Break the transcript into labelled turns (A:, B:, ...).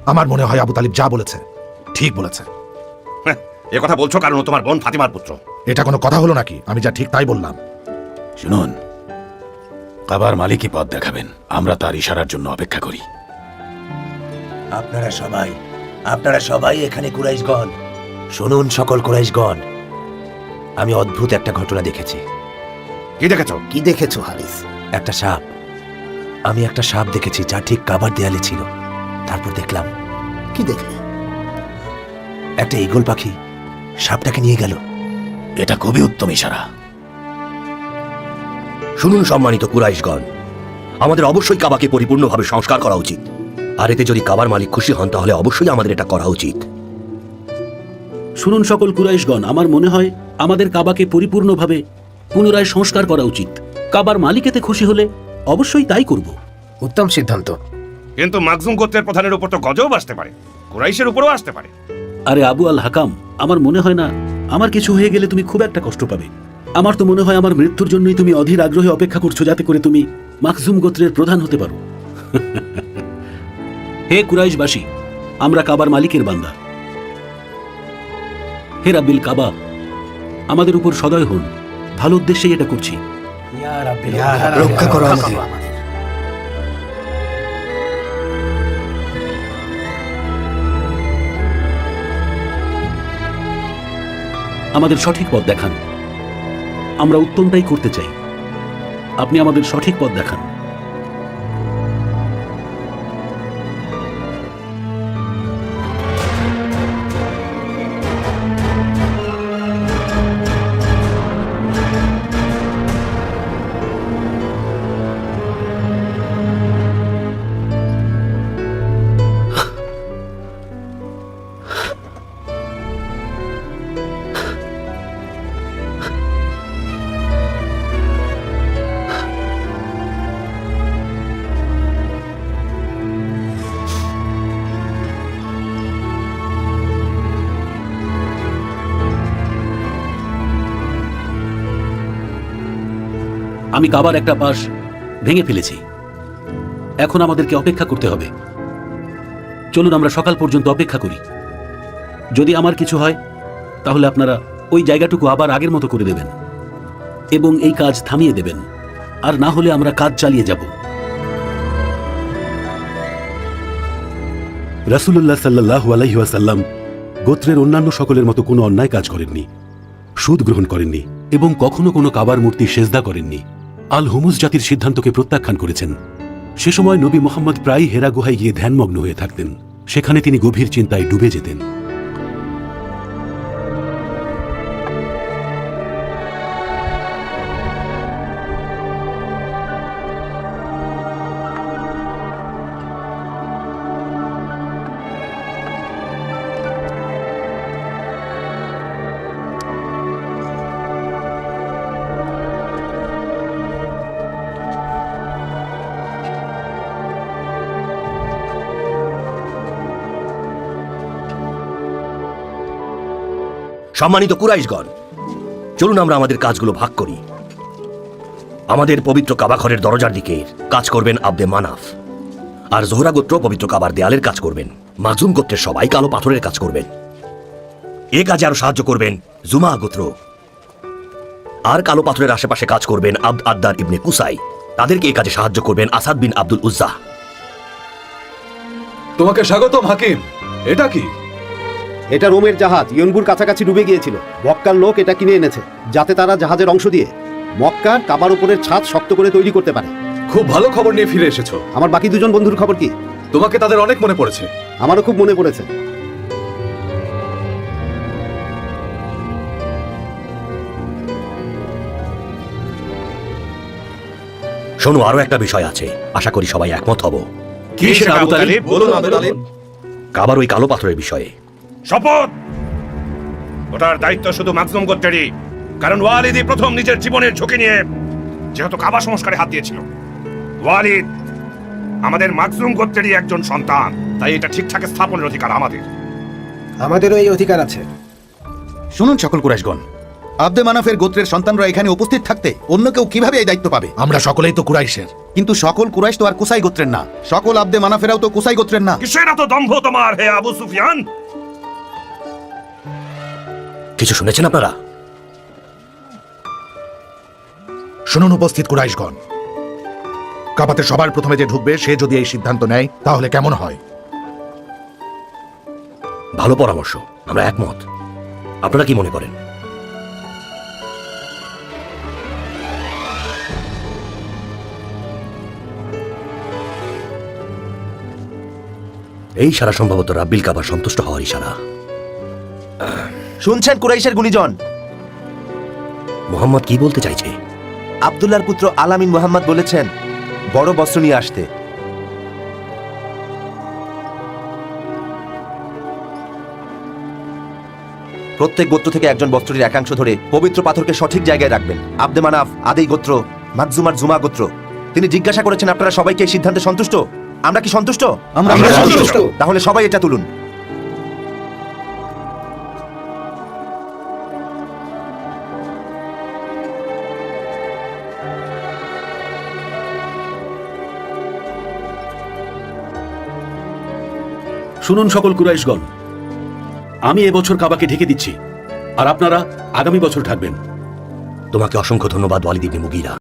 A: আমার মনে হয় আবু তালিব যা বলেছে ঠিক বলেছে।
B: এ কথা বলছো কারণ ও তোমার বোন ফাতিমার পুত্র।
A: এটা কোনো কথা হলো নাকি? আমি যা ঠিক তাই বললাম।
C: শুনুন, কাবার মালিকই পথ দেখাবেন, আমরা তার ইশারার জন্য অপেক্ষা করি।
D: আপনারা সবাই এখানে কুরাইশগণ শুনুন। সকল কুরাইশগণ, আমি অদ্ভুত একটা ঘটনা দেখেছি।
B: কি দেখেছো?
E: কি দেখেছো হারিস?
D: একটা সাপ। আমি একটা সাপ দেখেছি যা ঠিক কাবার দেয়ালে ছিল। তারপর দেখলাম
E: কি দেখলে?
D: একটা ঈগল পাখি সাপটাকে নিয়ে গেল।
C: এটা খুবই উত্তম ইশারা।
F: শুনুন সম্মানিত কুরাইশগণ, আমাদের অবশ্যই কাবাকে পরিপূর্ণভাবে সংস্কার করা উচিত। আর এতে যদি কাবার মালিক খুশি হন তাহলে অবশ্যই আমাদের এটা করা উচিত।
G: শুনুন সকল কুরাইশগণ, আমার মনে হয় আমাদের কাবাকে পরিপূর্ণভাবে পুনরায় সংস্কার করা উচিত। কাবার মালিক এতে খুশি হলে অবশ্যই তাই করব।
E: উত্তম সিদ্ধান্ত।
B: কিন্তু মাকজুম গোত্রের প্রধানের উপর তো গজব আসতে পারে, কুরাইশের উপরও আসতে পারে।
G: আরে আবু আল হাকাম, আমার মনে হয় না আমার কিছু হয়ে গেলে তুমি খুব একটা কষ্ট পাবে। আমার তো মনে হয় আমার মৃত্যুর জন্যই তুমি অধীর আগ্রহে অপেক্ষা করছো, যাতে করে তুমি মাকজুম গোত্রের প্রধান হতে পারো। হে কুরাইশবাসী, আমরা কাবার মালিকের বান্দা। হে রাব্বিল কাবা, আমাদের উপর সদয় হন, ভালো উদ্দেশ্যেই এটা করছি।
E: রক্ষা করো আমাদের।
G: আমাদের সঠিক পথ দেখান, আমরা উত্তমটাই করতে চাই। আপনি আমাদের সঠিক পথ দেখান। আমি কাবার একটা পাশ ভেঙে ফেলেছি, এখন আমাদেরকে অপেক্ষা করতে হবে। চলুন আমরা সকাল পর্যন্ত অপেক্ষা করি। যদি আমার কিছু হয় তাহলে আপনারা ওই জায়গাটুকু আবার আগের মতো করে দেবেন এবং এই কাজ থামিয়ে দেবেন, আর না হলে আমরা কাজ চালিয়ে যাব।
H: রাসূলুল্লাহ সাল্লাল্লাহু আলাইহি ওয়াসাল্লাম গোত্রের অন্যান্য সকলের মতো কোনো অন্যায় কাজ করেননি, সুদ গ্রহণ করেননি এবং কখনো কোনো কাবার মূর্তি সেজদা করেননি। আল হুমুস জাতির সিদ্ধান্তকে প্রত্যাখ্যান করেছেন। সে সময় নবী মোহাম্মদ প্রায় হেরা গুহায় গিয়ে ধ্যানমগ্ন হয়ে থাকতেন। সেখানে তিনি গভীর চিন্তায় ডুবে যেতেন।
F: সম্মানিত কুরাইশগণ, চলুন আমরা আমাদের কাজগুলো ভাগ করি। আমাদের পবিত্র কাবা ঘরের দরজার দিকে কাজ করবেন আব্দে মানাফ, আর জোহরা গোত্র পবিত্র কাবার দেয়ালের কাজ করবেন। মাকজুম গোত্রের সবাই কালো পাথরের কাজ করবেন। এ কাজে আরো সাহায্য করবেন জুমা গোত্র, আর কালো পাথরের আশেপাশে কাজ করবেন আব্দ আদ্দার ইবনে কুসাই। তাদেরকে এই কাজে সাহায্য করবেন আসাদ বিন আব্দুল উজ্জা।
I: তোমাকে স্বাগতম হাকিম। এটা কি?
J: এটা রোমের জাহাজ ইয়নবুর কাছাকাছি ডুবে গিয়েছিল। মক্কার লোক এটা কিনে এনেছে যাতে তারা জাহাজের অংশ দিয়ে মক্কার কাবার উপরের ছাদ শক্ত করে তৈরি করতে পারে।
I: খুব ভালো খবর নিয়ে ফিরে এসেছো।
J: আমার বাকি দুজন বন্ধুর খবর কি?
I: তোমাকে তাদের অনেক মনে পড়েছে।
J: আমারও খুব মনে পড়েছে।
F: শোনো, আরো একটা বিষয় আছে, আশা করি সবাই একমত হব।
B: কি সেটা আবু তালিব?
I: বলুন আবু তালিব।
F: কাবার ওই কালো পাথরের বিষয়ে।
B: শপথ, ওটার দায়িত্ব শুধু মাকজুম গোত্রেরই, কারণ ওয়ালিদই প্রথম নিজের জীবনের ঝুঁকি নিয়ে যেহেতু কাবা সংস্কারে হাত দিয়েছিল। ওয়ালিদ আমাদের মাকজুম গোত্রেরই একজন সন্তান, তাই এটা ঠিকঠাক স্থাপনের অধিকার আমাদের।
E: আমাদেরও এই অধিকার আছে।
A: শুনুন সকল কুরাইশগণ,
J: আব্দে মানাফের গোত্রের সন্তানরা এখানে উপস্থিত থাকতে অন্য কেউ কিভাবে এই দায়িত্ব পাবে?
A: আমরা সকলেই তো কুরাইশের।
J: কিন্তু সকল কুরাইশ তো আর কুসাই গোত্রের না, সকল আব্দে মানাফেরাও তো কুসাই গোত্রের না।
B: কিসের এত দম্ভ তোমার হে আবু সুফিয়ান?
F: কিছু শুনেছেন আপনারা?
A: শুনুন উপস্থিত কুরাইশগণ, কাবাতে সবার প্রথমে যে ঢুকবে সে যদি এই সিদ্ধান্ত নেয় তাহলে কেমন হয়?
F: ভালো পরামর্শ, আমরা একমত। আপনারা কি মনে করেন? এই সারা সম্ভবত রাব্বিল কাবা সন্তুষ্ট হওয়ার ইশারা।
D: শুনছেন কুরাইশের গুণীজন?
F: মোহাম্মদ কি বলতে চাইছে?
D: আব্দুল্লাহর পুত্র আলামিন মুহাম্মদ বলেছেন বড় বস্ত্র নিয়ে আসতে। প্রত্যেক গোত্র থেকে একজন বস্ত্রটির একাংশ ধরে পবিত্র পাথরকে সঠিক জায়গায় রাখবেন। আব্দে মানাফ, আদেই গোত্র, মাকজুমার জুমা গোত্র। তিনি জিজ্ঞাসা করেছেন আপনারা সবাইকে এই সিদ্ধান্তে সন্তুষ্ট? আমরা কি সন্তুষ্ট?
J: আমরা সন্তুষ্ট।
D: তাহলে সবাই এটা তুলুন।
G: শুনুন সকল কুরাইশগণ, আমি এবছর কাবাকে ঢেকে দিচ্ছি, আর আপনারা আগামী বছর থাকবেন।
F: তোমাকে অসংখ্য ধন্যবাদ ওয়ালিদ ইবনে মুগীরা।